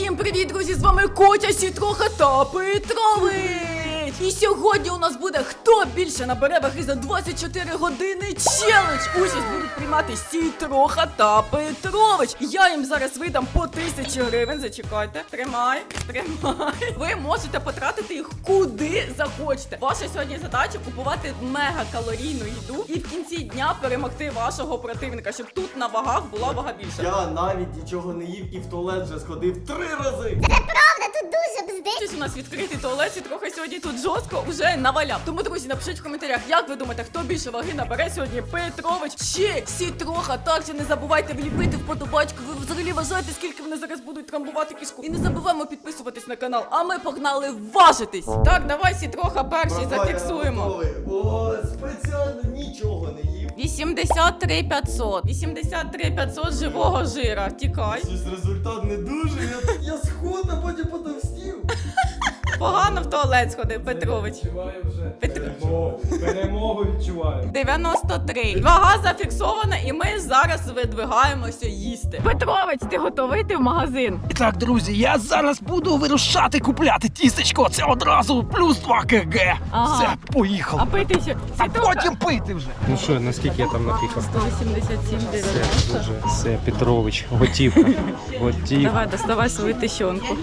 Всім привіт, друзі! З вами Котя, Сітроха та Петрович! І сьогодні у нас буде хто більше набере ваги за 24 години челендж! Участь будуть приймати Сітроха та Петрович! Я їм зараз видам по 1000 гривень, зачекайте. Тримай. Ви можете потратити їх куди захочете. Ваша сьогодні задача купувати мегакалорійну їду і в кінці дня перемогти вашого противника, щоб тут на вагах була вага більша. Я навіть нічого не їв і в туалет вже сходив 3 рази. Це правда, тут дуже бздить. У нас відкритий туалет і трохи сьогодні тут жорстко вже наваляв. Тому, друзі, напишіть в коментарях, як ви думаєте, хто більше ваги набере сьогодні, Петрович чи Сітроха. Також не забувайте вліпити вподобайку. Ви взагалі вважаєте, скільки вони зараз будуть трамбувати кишку. І не забуваємо підписуватись на канал. А ми погнали важитись. Так, давай, Сітроха, перший зафіксуємо. О, спеціально нічого не їв. 83 500. 83 500 живого жира. Тікай. Щось результат не дуже. Я схуд, а потім потовстів. Погано в туалет сходив, Петрович. Відчуваю вже перемогу відчуваю. 93. Вага зафіксована, і ми зараз видвигаємося їсти. Петрович, ти готовий йти в магазин? І так, друзі, я зараз буду вирушати купляти тістечко. Це одразу плюс 2 кг. Ага. Все, А поїхали. пити ще? А Сітроха? потім пити вже. Ну що, наскільки я там напікав? 187 Дуже. Все, Петрович, готівка. Готівка. Давай, доставай свою тищонку.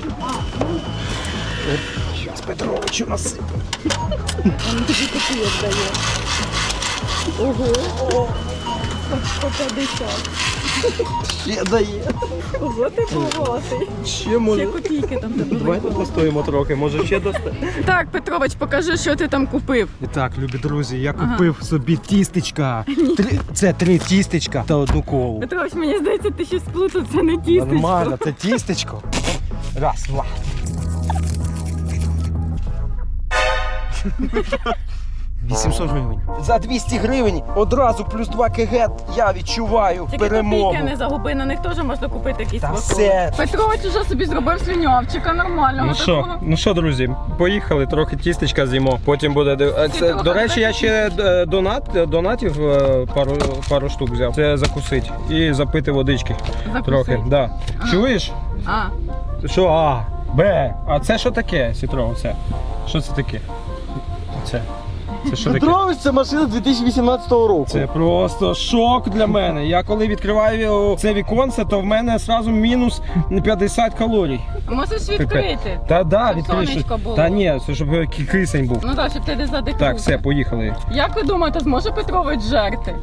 Щас Петровичу насиплю. Він тобі такі віддає. Ого. По 50. Ще дає. Ого, ти багатий. Ще може. Ще копійки там тебе. Давайте постоїмо трохи, може ще достати. Так, Петрович, покажи, що ти там купив. І так, любі друзі, я купив собі тістечка. Це 3 тістечка та 1 колу. Петрович, мені здається, ти щось сплутав, це не тістечко. Нормально, це тістечко. Раз, два. 800 гривень. За 200 гривень одразу плюс 2 кг я відчуваю Тільки перемогу. копійки не загуби, на них теж можна купити якісь Та смаколики. все. Петрович уже собі зробив свинявчика нормального такого. Ну що, друзі, поїхали, трохи тістечка з'їмо. Потім буде. трохи До речі, я ще донатів пару штук взяв. Це закусить і запити водички. Закусить. Трохи. Да. Чуєш? А, Що? А, Б. А це що таке, Сітро? Це? Що це таке? Це що таке? Петрович, це машина 2018 року. Це просто шок для мене. Я коли відкриваю це віконце, то в мене одразу мінус 50 калорій. можеш відкрити. Та да, Щоб відкрий. сонечко було. Та ні, це щоб кисень був. Ну так, щоб ти не задихнувся. Так, все, поїхали. Як ви думаєте, зможе Петрович жерти?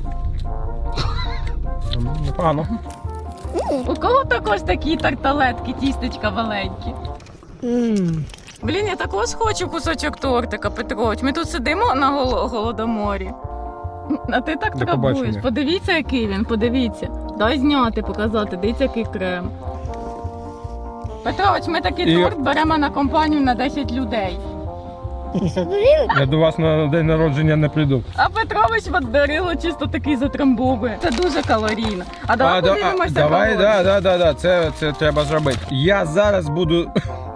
Непогано. У кого також такі тарталетки, тістечка маленькі? Блін, я також хочу кусочок тортика, Петрович. Ми тут сидимо на голодоморі. А ти так До трабуєш. побачення. Подивіться, який він, подивіться. Дай зняти, показати, дивіться, який крем. Петрович, ми такий торт беремо на компанію на 10 людей. Я до вас на день народження не прийду. А Петрович подарило чисто такий затрамбовує. Це дуже калорійно. А давай подивимося Давай, калорії. да, це треба зробити. Я зараз буду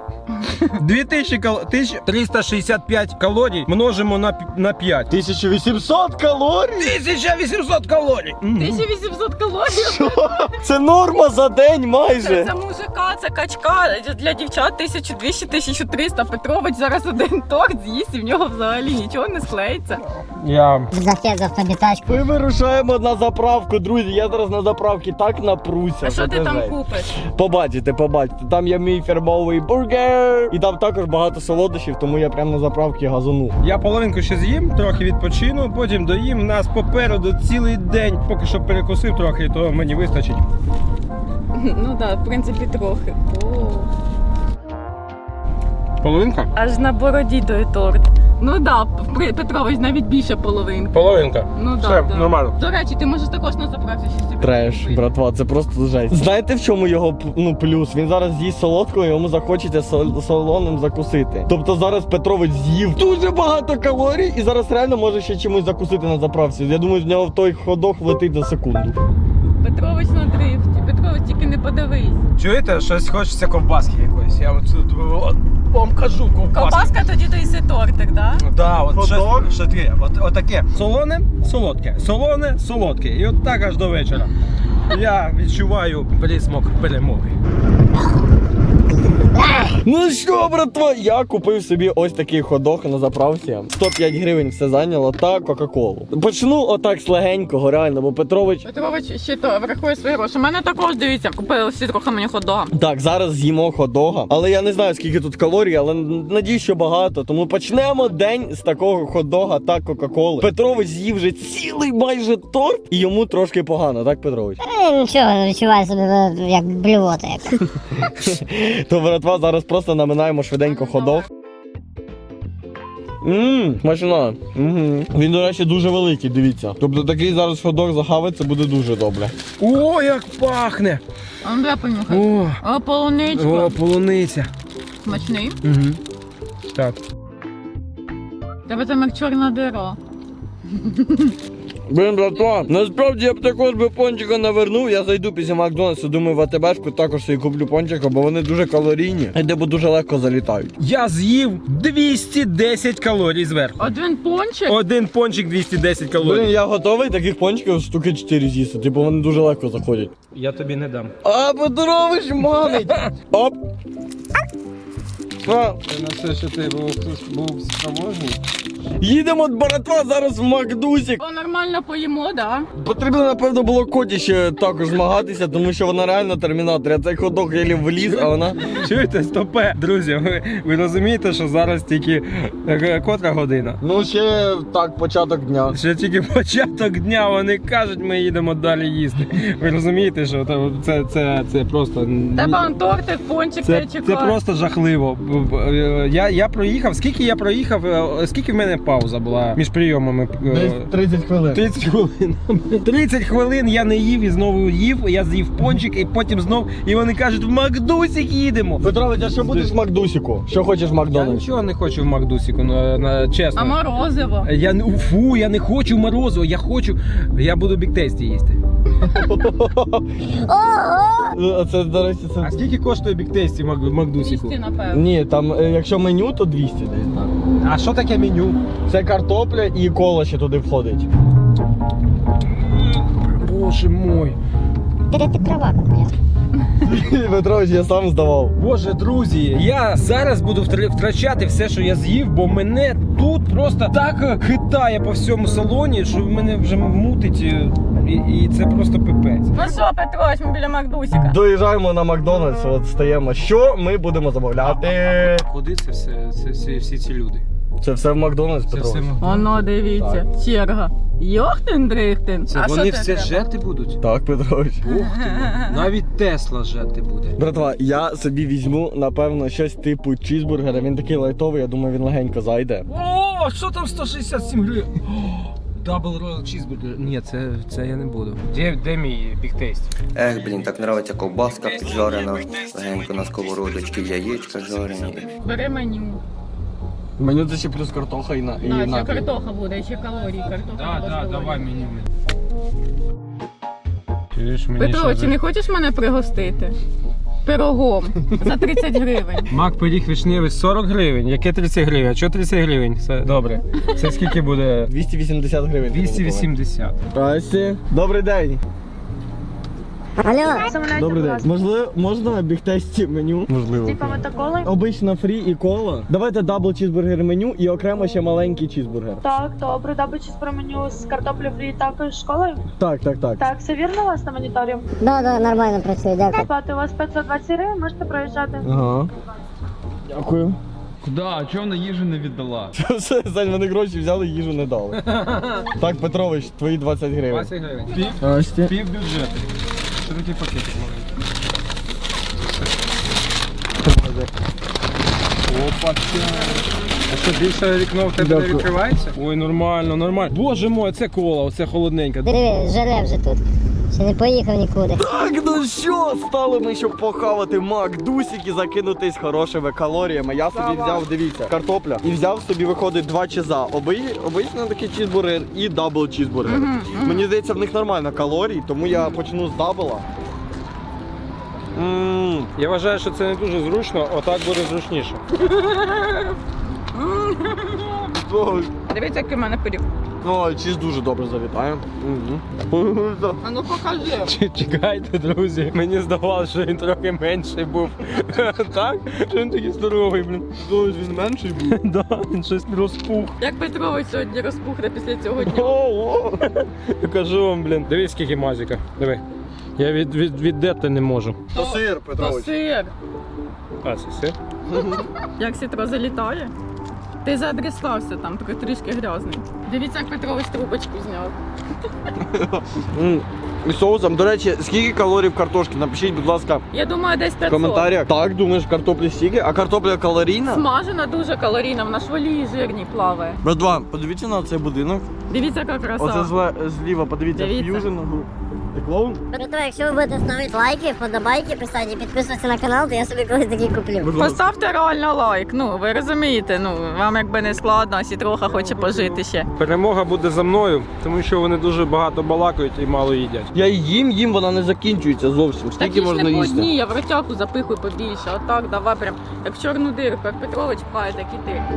2365 калорій множимо на 5. 1800 калорій? 1800 калорій! 1800 калорій. Це норма за день майже. Це мужика, це качка. Для дівчат 1200-1300. Петрович зараз один торт з'їсть і в нього взагалі нічого не склеїться. Я... Зафет за автобітачку. Ми вирушаємо на заправку, друзі. Я зараз на заправці так напруся. А що ти це там жесть. купиш? Побачите. Там є мій фірмовий бургер. І там також багато солодощів, тому я прямо на заправці газану. Я половинку ще з'їм, трохи відпочину, потім доїм. Нас попереду цілий день. Поки що перекусив трохи, то мені вистачить. Ну так, в принципі, трохи. Половинка? Аж на бороді той торт. Ну так, Петрович, навіть більше половинки. Половинка. Ну Все, так, нормально. До речі, ти можеш також на заправці щось собі Треш, купити. братва, це просто жесть. Знаєте, в чому його плюс? Він зараз з'їсть солодкого, йому захочеться солоним закусити. Тобто зараз Петрович з'їв дуже багато калорій і зараз реально може ще чимось закусити на заправці. Я думаю, з нього в той ходок влетить за секунду. Петрович на дрифті. Петрович, тільки не подивись. Чуєте, щось хочеться ковбаски якоїсь. Я от тут вам кажу ковбаски. Ковбаска, тоді доїси тортик, так? Да, от Ходок? що таке. От таке. Солоне, солодке. Солоне, солодке. І от так аж до вечора. Я відчуваю присмак перемоги. Ну що, братва, я купив собі ось такий хот-дог на заправці. 105 гривень все зайняло та Кока-Колу. Почну отак з легенького, реально, бо Петрович... Петрович ще то врахує свої гроші. У мене також, дивіться, купили всі трохи мені хот-дога. Так, зараз з'їмо хот-дога, але я не знаю, скільки тут калорій, але надіюсь, що багато. Тому почнемо день з такого хот-дога та Кока-Коли. Петрович з'їв вже цілий майже торт, і йому трошки погано, так, Петрович? Нічого, відчуваю себе як блювота якась. То, братва, зараз просто наминаємо швиденько хот-дог. Смачно. Він, до речі, дуже великий, дивіться. Тобто такий зараз хот-дог захавиться буде дуже добре. О, як пахне! А ну, дай понюхай. О, полуничка. О, полуниця. Смачний. Угу. Так. Тебе там як чорна дира. Блин, братва, насправді я б також би пончика навернув, я зайду після Макдональдсу, думаю, в АТБшку також собі куплю пончика, бо вони дуже калорійні, і де дуже легко залітають. Я з'їв 210 калорій зверху. Один пончик? Один пончик 210 калорій. Блин, я готовий таких пончиків штуки 4 з'їсти, типу вони дуже легко заходять. Я тобі не дам. А, Петрович манить! Оп! А, Це на все, що ти був спроможний. їдемо, братва, зараз в Макдусік. О, нормально поїмо, да? Потрібно, напевно, було Коті ще також змагатися, тому що вона реально термінатор. Я цей хот-дог єлі вліз, а вона... Чуєте, стопе? Друзі, ви розумієте, що зараз тільки котра година? Ну, ще так, початок дня. Ще тільки початок дня, вони кажуть, ми їдемо далі їсти. Ви розумієте, що це просто... Тебе он тортик, пончик, Це чекає. просто жахливо. Я проїхав, скільки в мене пауза була між прийомами? Десь 30 хвилин. 30 хвилин. 30 хвилин я не їв і знову їв, я з'їв пончик і потім знов, і вони кажуть, в Макдусік їдемо. Петрович, а що будеш в Макдусіку? Що хочеш в Я Макдональдсі? нічого не хочу в Макдусіку, чесно. А морозиво? Я не хочу морозиво, я буду бік-тесті їсти. А це, до речі, А це... скільки коштує бік-тесті в Макдусіку? 200, напевно. Ні, там, якщо меню, то 200 десь, так. А що таке меню? Це картопля і кола ще туди входить. Боже мой. Де ти права купляв? Петрович, я сам здавав. Боже, друзі, я зараз буду втрачати все, що я з'їв, бо мене тут просто так хитає по всьому салоні, що мене вже мутить, і це просто пипець. Ну що, Петрович, ми біля Макдусіка. Доїжджаємо на Макдональдс, от стаємо. Що ми будемо замовляти? Куди це все, всі ці люди? Це все в Макдональдс, Петрович. Оно, дивіться, черга. Йохтин-дрихтин. Це А вони що це все треба? жерти будуть? Так, Петрович. Ух ти, навіть Тесла жерти буде. Братва, я собі візьму, напевно, щось типу чізбургера. Він такий лайтовий, я думаю, він легенько зайде. О, що там 167 гривень? Дабл роял чізбургер. Ні, це я не буду. Де мій бігтейст? Ех, блін, так нравиться ковбаска піджарена, легенько на сковородочці, яєчка жарені. Бери меню. Меню це ще плюс картоха і Ще напій. картоха буде, і ще калорії. Картоха. Давай меню. Чуєш, мені Петрович, ще не хочеш мене пригостити? Пирогом за 30 гривень. Мак пиріг вишневий 40 гривень. Яке 30 гривень? А чого 30 гривень? Це добре. Це скільки буде? 280 гривень. 280. Здрасте. Добрий день. Алло, Добрий день. Можливо, можна бігтесті меню? Можливо. Обично фрі і кола. Давайте дабл чізбургер меню і окремо ще маленький чізбургер. Так, добре, дабл про меню з картоплею фрі також школою. Так. Так, все вірно у вас на моніторі? да, нормально працює, дякую. Плати у вас 520 гривень, можете проїжджати. Ага. Дякую. Куда? А чого вона їжу не віддала? Все, Сань, вони гроші взяли, їжу не дали. Так, Петрович, твої 20 гривень. 20 гривень. Здрасте. Пів бюджету. Що такий пакетик маленький? Опа, а що, більше вікно в тебе не Дякую. відкривається? Ой, нормально. Боже мой, це кола, оце холодненьке. Диви, жере вже тут. Ще не поїхав нікуди. Так, ну що, стали ми, щоб похавати Макдусік і закинутись хорошими калоріями. Я собі взяв, дивіться, картопля. І взяв собі, виходить, 2 чиза. Обичний такий чізбургер і дабл чізбургер. Мені здається, в них нормально калорій, тому я почну з дабла. Я вважаю, що це не дуже зручно, отак буде зручніше. Дивіться, який в мене пиріг. Ну, чіз дуже добре залітає. А ну покажи. Чекайте, друзі. Мені здавалося, що він трохи менший був. Так? Що він такий здоровий, блін. Він менший був. Да, він щось розпух. Як Петрович сьогодні розпухне після цього дня? Ого! Я кажу вам, блін. Дивись, скільки мазіка. Диви. Я віддерти не можу. То сир, То Петрович. сир. А, це все? Як сітро залітає? Ти заадресувався там, трішки грязний. Дивіться, як Петрович трубочку зняв. І соусом. До речі, скільки калорій в картошці? Напишіть, будь ласка, Я думаю, десь в 500. коментарях. Так, думаєш, картоплі стільки? А картопля калорійна? Смажена дуже калорійна, вона ж в олії жирній плаває. Братва, подивіться на цей будинок. Дивіться, яка краса. Оце зліва, подивіться, Дивіться. ф'южн. Ти клоун? Братва, якщо ви будете ставити лайки, вподобайки писати і підписуватися на канал, то я собі колись такий куплю. Будь ласка. Поставте реально лайк, ну ви розумієте, ну вам якби не складно, а Сітроха хоче пожити ще. Перемога буде за мною, тому що вони дуже багато балакають і мало їдять. Я їм, вона не закінчується зовсім. Скільки Такі ж можна не по їсти? одній, я в ротяку запихую побільше, отак, давай прям, як в чорну дирку, як Петрович пхає, так і ти.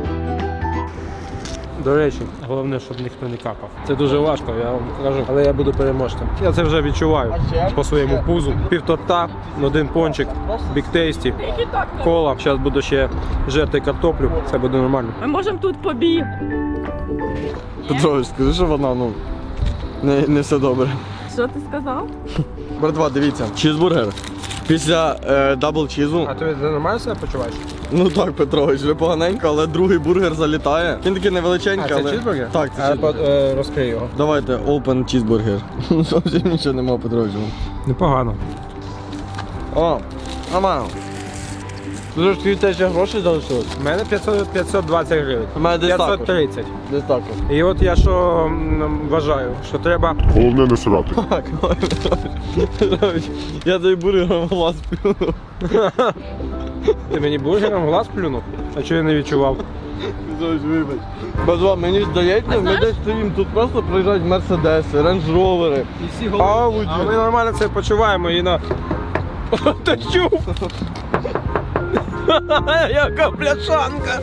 До речі, головне, щоб ніхто не какав. Це дуже важко, я вам кажу, але я буду переможцем. Я це вже відчуваю по своєму пузу. Півторта, один пончик, бік тейсті, кола. Зараз буду ще жерти картоплю, це буде нормально. Ми можемо тут побіг. Петрович, скажи, що вона, ну, не все добре. Що ти сказав? Братва, дивіться, чізбургер. Після дабл чізу. А ти нормально себе почуваєш? Ну так, Петрович, вже поганенько, але другий бургер залітає. Він такий невеличенький, але... чізбургер? Так, це чізбургер. Розкрий його. Давайте, open cheeseburger. Зовсім нічого нема, Петрович. Непогано. О, нормально. Дуже ж тобі теж грошей залишилось? У мене 520 гривень. У мене десь так. 530. Десь так. І от я що вважаю, що треба. Головне не срати. Так, Петрович, я тобі бургером в глаз плюнув. Ти мені бургером в глаз плюнув? А чого я не відчував? Петрович, вибач. Базва, мені здається, ми десь стоїмо, тут просто приїжджають мерседеси, рейндж-ровери, ауді. А ми нормально це почуваємо і на. Ти чув? Яка пляшанка!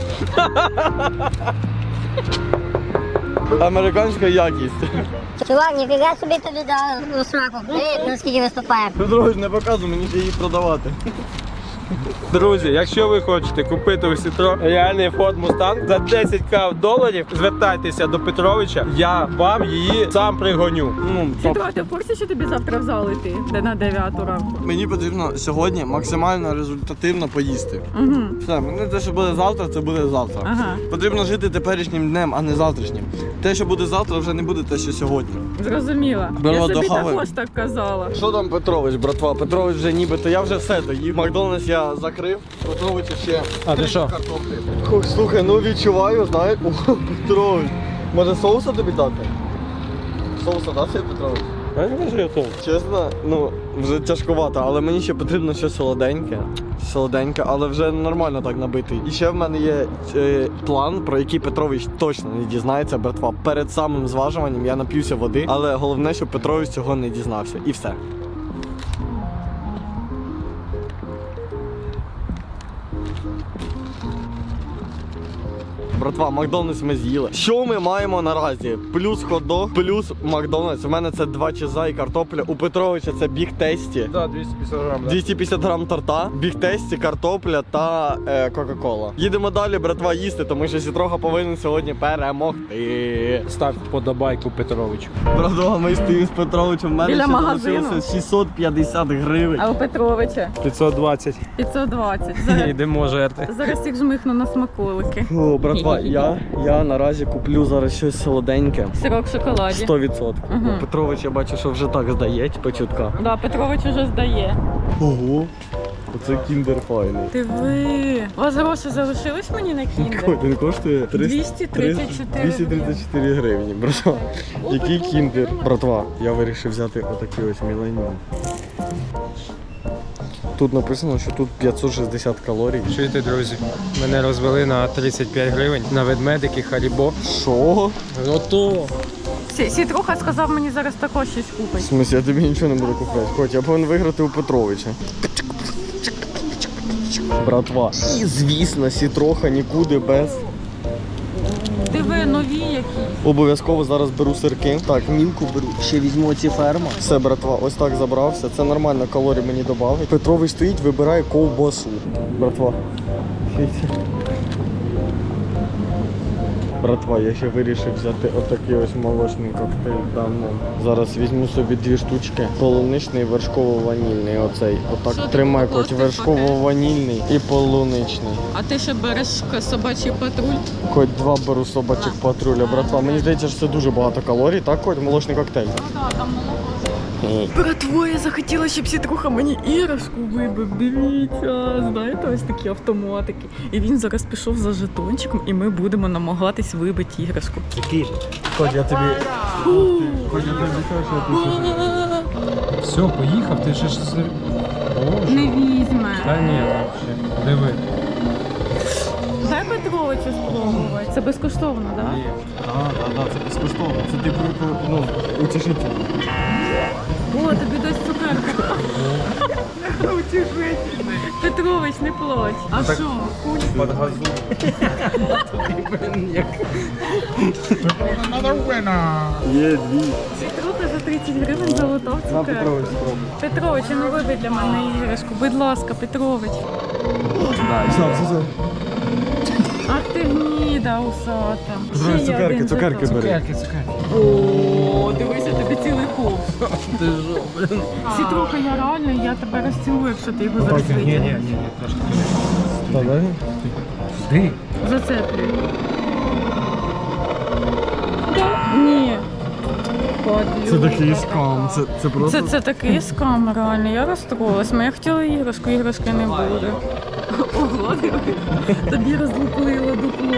Американська якість. Чувак, ніфіга собі тобі дав у сраку. Ти наскільки виступає. Петрович, не показуй, мені ще її продавати. Друзі, якщо ви хочете купити у Сітро реальний Ford Mustang за 10к доларів, звертайтеся до Петровича, я вам її сам пригоню. Сітро, ти в курсі, що тобі завтра в зал йти? Де на 9 ранку? Мені потрібно сьогодні максимально результативно поїсти. Угу. Все, мені те, що буде завтра, це буде завтра. Ага. Потрібно жити теперішнім днем, а не завтрашнім. Те, що буде завтра, вже не буде те, що сьогодні. Зрозуміла. Беремо Я собі до хави. також так казала. Що там Петрович, братва? Петрович вже нібито, я вже все доїв. Макдональдс я закрив, Петрович ще. А ти що? Картоплі. Хух, слухай, ну відчуваю, знаєш. О, Петрович. Може соуса тобі дати? Соуса дати, Петрович? Я не кажу, я то. Чесно, ну вже тяжкувато, але мені ще потрібно щось солоденьке. Солоденьке, але вже нормально так набитий. І ще в мене є план, про який Петрович точно не дізнається, братва. Перед самим зважуванням я нап'юся води, але головне, щоб Петрович цього не дізнався. І все. Братва, Макдональдс ми з'їли. Що ми маємо наразі? Плюс хот-дог, плюс Макдональдс. У мене це 2 чиза і картопля. У Петровича це біг тесті. Так, 250 грам, 250 грам торта, біг тесті, картопля та Кока-Кола. Їдемо далі, братва, їсти, тому що Сітроха повинен сьогодні перемогти. Став вподобайку Петровичу. Братва, ми стоїмо з Петровичем. В мене Біля ще магазину. залишилося 650 гривень. А у Петровича 520. 520. Зараз, Йдемо жерти. зараз їх жмихну на смаколики. О, братва, я наразі куплю зараз щось солоденьке. Сирок в шоколаді. 100%. Мгм. Петрович, я бачу, що вже так здає, почутка. Да, Петрович уже здає. Ого, оце кіндер файний. Ти ви. У вас гроші залишились мені на кіндер? Він коштує 234 234 гривні, братва. Який кіндер? Братва, я вирішив взяти отакий ось міленіум. Тут написано, що тут 560 калорій. Чуєте, друзі? Мене розвели на 35 гривень на ведмедики Харібо. Що? Ото. Сітруха сказав мені зараз також щось В купить. смысле, я тобі нічого не буду купляти. Хоч, я повинен виграти у Петровича. Братва. І звісно, Сітроха нікуди без. Диви, нові Обов'язково зараз беру сирки. Так, мілку беру. Ще візьму оці ферма. Все, братва, ось так забрався. Це нормально, калорій мені додавить. Петрович стоїть, вибирає ковбасу. Братва. Братва, я ще вирішив взяти отакий ось молочний коктейль давно. Зараз візьму собі 2 штучки. Полуничний, вершково-ванільний оцей. Отак Що ти тримай, купила коч, в цей вершково-ванільний і полуничний. А ти ще береш собачий патруль? Коть 2 беру собачих патруля, братва. Мені здається, що це дуже багато калорій, так, Коть? Молочний коктейль. Братво, я захотіла, щоб Сітруха мені іграшку вибив. Дивіться, знаєте, ось такі автоматики. І він зараз пішов за жетончиком, і ми будемо намагатись вибити іграшку. Коть, я тобі... Коть, я тобі кажу, що ти Все, поїхав, ти ще ж... Боже. Не візьме. Та ні, взагалі. Диви. Дай Петровичу спробувати. Це безкоштовно, так? Так, це безкоштовно. Це типу, ну, утішительно. О, тобі дасть цукерку. Утішительний. Петрович, не плач. А що? Під газу. Є 2. Сітруха за 30 гривень залутав На, цукерку. Петрович, спробуй. Петрович, ну вибий для мене іграшку. Будь ласка, Петрович. Все. Ах ти гніда усата. Петрович, Ще є цукерки, один цукерки жетон. бери. О, дивися, тобі цілий ков. Ти що, блин? Сітруха, я реально, я тебе розцілую, якщо ти його зараз Ні, витягнеш. трошки. Давай. Ти? Зацеплюй. Ні. Це такий скам, це просто... Це такий скам, реально, я розстроїлась. Я хотіла іграшку, іграшки не буде. Ого, диви. Тобі розлупило дупло.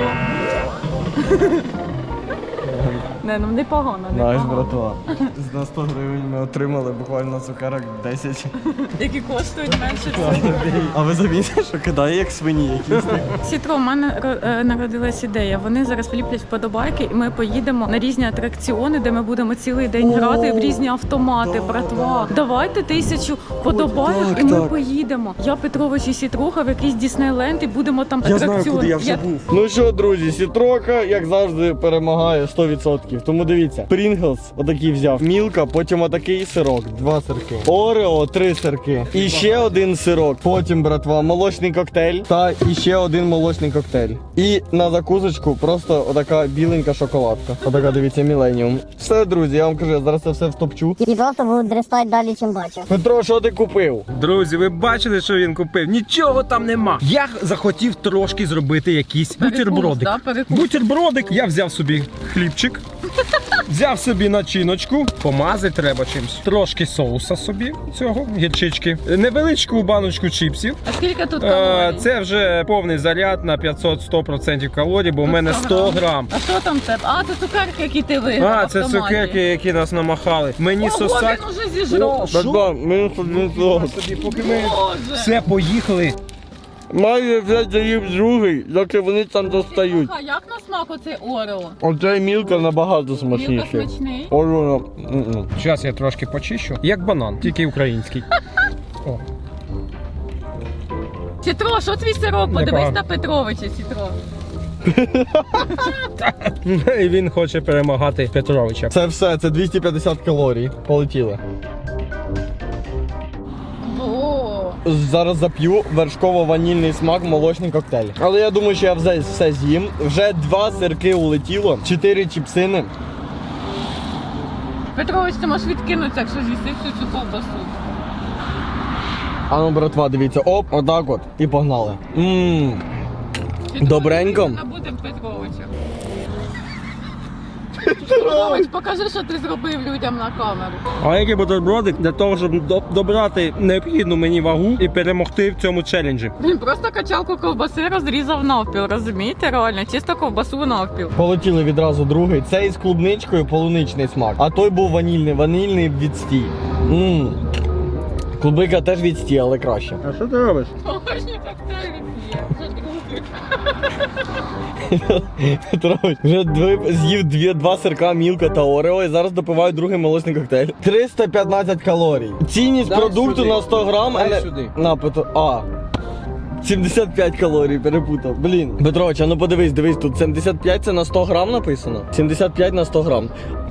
Не, ну непогано, Знаєш, непогано. братва, за 100 гривень ми отримали буквально цукерок 10. Які коштують менше цього. А ви замітили, що кидає як свині якісь? Сітро, у мене народилась ідея. Вони зараз вліплять вподобайки, і ми поїдемо на різні атракціони, де ми будемо цілий день грати в різні автомати, братва. Давайте 1000 вподобайок, так, і ми так. поїдемо. Я, Петрович і Сітруха в якийсь Діснейленд і будемо там Я атракціони. знаю, куди я вже був. Ну що, друзі, Сітрока, як завжди, перемагає 100%. Тому дивіться, Pringles отакий взяв, Мілка, потім отакий сирок, 2 сирки. Орео, 3 сирки. І ще один сирок. Потім, братва, молочний коктейль та іще один молочний коктейль. І на закусочку просто отака біленька шоколадка. Отака, дивіться, Міленіум. Все, друзі, я вам кажу, я зараз це все втопчу. І просто будуть дрестати далі, чим бачу. Петро, що ти купив? Друзі, ви бачили, що він купив? Нічого там нема. Я захотів трошки зробити якийсь бутербродик. да, перекус. Бутербродик. Я взяв собі хлібчик, взяв собі начиночку, помазати треба чимось. Трошки соуса собі цього, гірчички. Невеличку баночку чіпсів. А скільки тут калорій? Це вже повний заряд на 500-100% калорій, бо в мене 100 грам. А що там в тебе? А, це цукерки, які ти виграв. А, в це автоматі. цукерки, які нас намахали. Мені Ого, сосать. він уже зіжрав. Братва, мінус один сирок. Собі, поки ми Боже. все поїхали. Майже вже заїв другий, доки вони там достають. А як на смак оцей Орео? Оцей Мілка набагато Мілка смачніший. смачний. Орео. Зараз я трошки почищу. Як банан, тільки український. О. Сітро, що твій сирок? Подивись Непогано. на Петровича, Сітро. І він хоче перемагати Петровича. Це все, це 250 калорій. Полетіли. О, Зараз зап'ю вершково-ванільний смак, молочний коктейль. Але я думаю, що я все з'їм. Вже 2 сирки улетіло, 4 чіпсини. Петрович, ти можеш відкинутися, якщо з'їсти всю цю ковбасу. А ну, братва, дивіться, оп, отак от. І погнали. Добренько. Набудем Петровича. Петрович, покажи, що ти зробив людям на камеру. А який бутербродик для того, щоб добрати необхідну мені вагу і перемогти в цьому челенджі. Він просто качалку ковбаси розрізав навпіл, розумієте? Реально, чисто ковбасу навпіл. Полетіли відразу другий. Цей з клубничкою полуничний смак. А той був ванільний відстій. Клубника теж відстій, але краще. А що ти робиш? Молочні коктейлі п'є, вже другий. Петрович вже з'їв 2 сирка, Мілка та Орео і зараз допиваю другий молочний коктейль. 315 калорій. Цінність Дай продукту сюди. на 100 грам. Дай сюди. На, Петро. 75 калорій, перепутав. Блін. Петрович, а ну подивись, дивись, тут 75 це на 100 грам написано? 75 на 100 грам.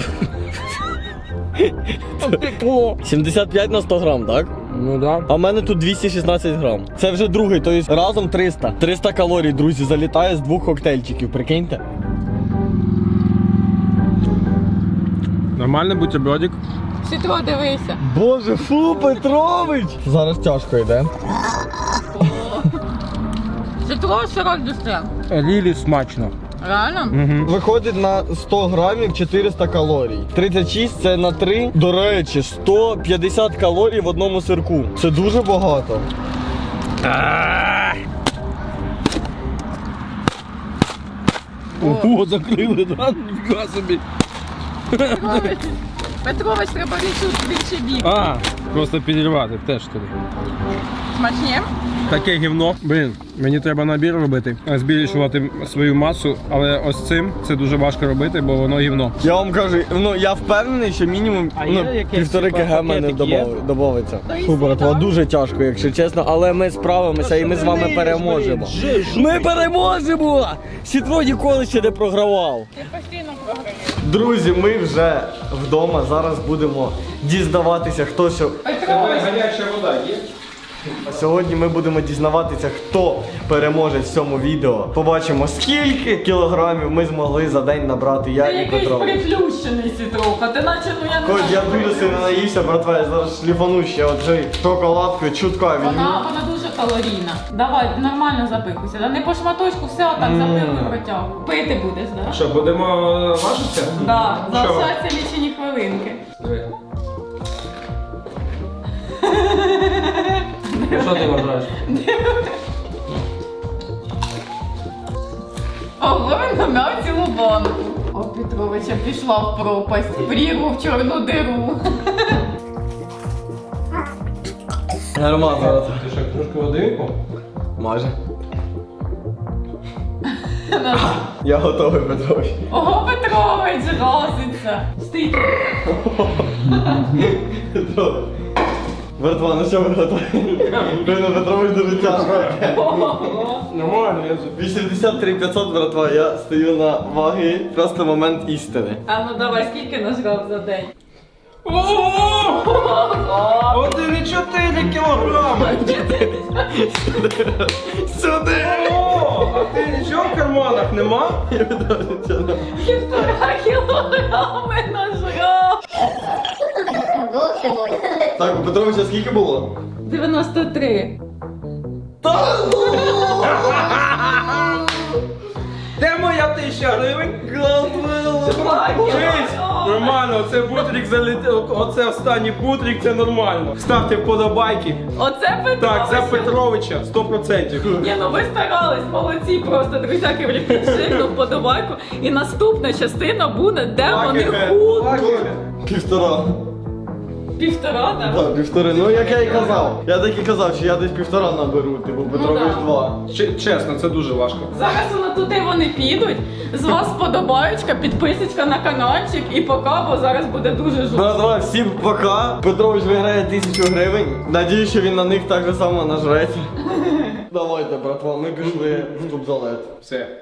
75 на 100 грам, так? Ну да. А в мене тут 216 грам. Це вже другий, тобто разом 300. 300 калорій, друзі, залітає з 2 коктейльчиків, прикиньте. Нормальний бутербродик. Сітро, дивися. Боже, фу, Петрович! Зараз тяжко йде. Сітро, сирок дістре. Лілі смачно. Реально? Виходить на 100 грамів 400 калорій. 36 це на 3. До речі, 150 калорій в одному сирку. Це дуже багато. Ого, закрили, да? Ніфіга собі. Петрович, треба більше бік. А, просто підірвати теж туди. Смачні? Таке гівно. Блін, мені треба набір робити, збільшувати свою масу, але ось цим це дуже важко робити, бо воно гівно. Я вам кажу, ну я впевнений, що мінімум А є якесь, 1,5 типа, кг мене пакетик є? додається. Фу, братва, дуже тяжко, якщо чесно, але ми справимося і ми з вами переможемо. Ми переможемо! Сітро ніколи ще не програвав. Ти постійно програєш. Друзі, ми вже вдома. Зараз будемо дізнаватися, хто що. Гаряча вода є? Сьогодні ми будемо дізнаватися, хто переможе в цьому відео. Побачимо, скільки кілограмів ми змогли за день набрати я і Петро. приплющений, Сітроха. Ти наче, ну я не Хоч я дуже сильно наївся, братва, я зараз шліфану ще оцей шоколадкою, чутка візьму. Вона дуже калорійна. Давай, нормально запихуйся. Да не по шматочку, все отак запихуй протягуй. Пити будеш, да? Що, будемо важитися? Да, Що? залишаються лічені хвилинки. Що ти вважаєш? Ого, він намяв цілу банку. О, Петровича пішла в пропасть, в прірву, в чорну диру. Нормально зараз. Ти що, трошки води? Майже. Я готовий, Петрович. Ого, Петрович розиться. Стій. Братва, ну що ви готові? Блин, Петрович дуже тяжко. Нормально, я 83 500, братва, я стою на ваги. Просто момент істини. А ну давай, скільки нажрав за день? 1,4 кілограми! Сюди! О, а ти нічого в карманах нема? 1,5 кілограми нажрав. Бог ти мой. Так, у Петровича скільки було? 93. Де моя 1000 гривень? Дивись, нормально, оце бутрик залетів, оце останній бутрик, це нормально. Ставте вподобайки. Оце Петрович. Так, за Петровича, 100%. Ні, ну ви старались, молодці, просто, друзяки, вліпіть жирну вподобайку. І наступна частина буде, де вони худуть. Півтора. Півтора, так? Так, півтори. Ну як я і казав. Я так і казав, що я десь півтора наберу, типу Петрович да. 2. Чесно, це дуже важко. Зараз воно туди вони підуть. З вас вподобаєчка, підписочка на каналчик і пока, бо зараз буде дуже жорстко. Братва, всім пока. Петрович виграє 1000 гривень. Надіюсь, що він на них так же само нажреться. Давайте, братва, ми пішли в тубзалет. Все.